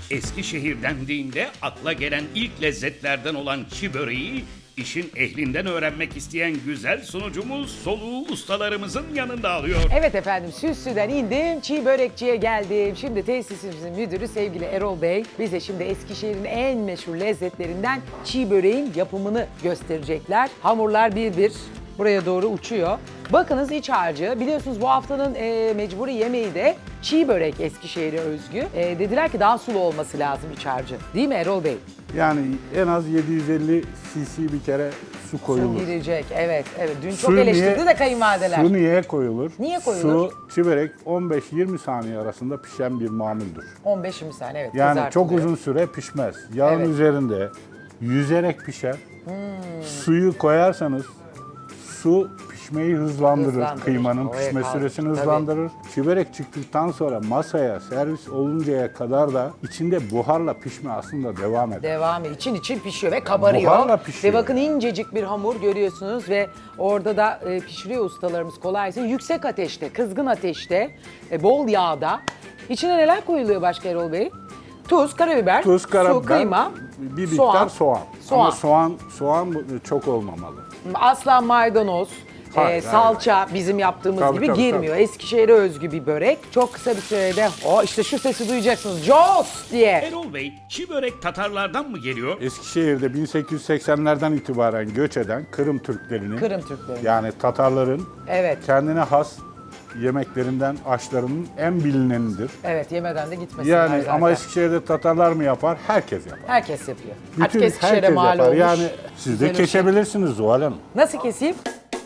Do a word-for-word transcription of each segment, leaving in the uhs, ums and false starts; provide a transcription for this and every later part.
Eskişehir dendiğinde akla gelen ilk lezzetlerden olan çi böreği, işin ehlinden öğrenmek isteyen güzel sunucumuz soluğu ustalarımızın yanında alıyor. Evet efendim, Süslü'den indim, çiğ börekçiye geldim. Şimdi tesisimizin müdürü sevgili Erol Bey bize şimdi Eskişehir'in en meşhur lezzetlerinden çiğ böreğin yapımını gösterecekler. Hamurlar bir bir buraya doğru uçuyor. Bakınız iç harcı. Biliyorsunuz bu haftanın e, mecburi yemeği de çiğ börek, Eskişehir'e özgü. E, dediler ki daha sulu olması lazım iç harcı. Değil mi Erol Bey? Yani en az yedi yüz elli cc bir kere su koyulur. Su girecek, evet. evet. Dün çok Su eleştirdi niye- de kayınvalideler. Su niye koyulur? Niye koyulur? Su, çi börek on beş yirmi saniye arasında pişen bir mamuldür. on beş yirmi saniye evet. Yani çok kızartılıyor. uzun süre pişmez. Yağın Evet. üzerinde yüzerek pişer. Suyu koyarsanız su pişmeyi hızlandırır. Hızlandırır. Kıymanın Oraya pişme kaldı. süresini Tabii. hızlandırır. Çi börek çıktıktan sonra masaya servis oluncaya kadar da içinde buharla pişme aslında devam eder. Devam ediyor. İçin için pişiyor ve kabarıyor. Buharla pişiyor. Ve bakın incecik bir hamur görüyorsunuz ve orada da e, pişiriyor ustalarımız kolaysa. Yüksek ateşte, kızgın ateşte, e, bol yağda. İçine neler koyuluyor başka Erol Bey? Tuz, karabiber, Tuz, karabiber, su, kıyma, bir miktar soğan. soğan. Soğan. Ama soğan soğan bu- çok olmamalı. Asla maydanoz, Hayır, e, salça bizim yaptığımız Tabii, gibi tabii, girmiyor. Eskişehir'e özgü bir börek. Çok kısa bir sürede, o işte şu sesi duyacaksınız. Jos diye. Erol Bey, çi börek Tatarlardan mı geliyor? Eskişehir'de bin sekiz yüz seksenlerden itibaren göç eden Kırım Türklerinin, Kırım Türkleri. yani Tatarların Evet. kendine has yemeklerinden, aşlarının en bilinenidir. Evet, yemeden de gitmesinler Yani zaten. ama Eskişehir'de Tatarlar mı yapar? Herkes yapar. Herkes yapıyor. Artık Bütün Eskişehir'e herkes mal yapar. olmuş. Yani siz Güzel de bir şey. kesebilirsiniz Zuhal Hanım. Nasıl keseyim?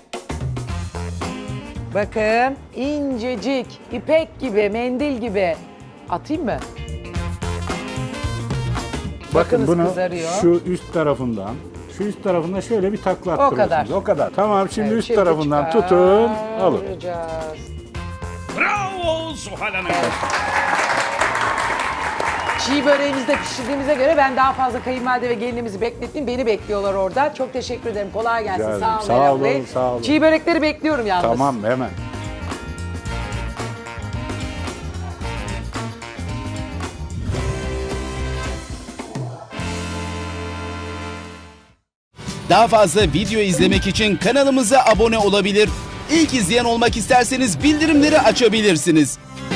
Bakın incecik, ipek gibi, mendil gibi. Atayım mı? Bakın Bakınız bunu kızarıyor. şu üst tarafından, şu üst tarafında şöyle bir takla O kadar. attırıyorsunuz. O kadar. Tamam şimdi Evet, üst şimdi tarafından tutun, alın. çıkaracağız. Bravo Zuhal Hanım. Çiğ böreğimizi de pişirdiğimize göre ben daha fazla kayınvalide ve gelinimizi beklettim. Beni bekliyorlar orada. Çok teşekkür ederim. Kolay gelsin. Rica ederim. Sağ olun. Sağ Erol olun, Bey. sağ olun. Çiğ börekleri bekliyorum yalnız. Tamam hemen. Daha fazla video izlemek için kanalımıza abone olabilir. İlk izleyen olmak isterseniz bildirimleri açabilirsiniz.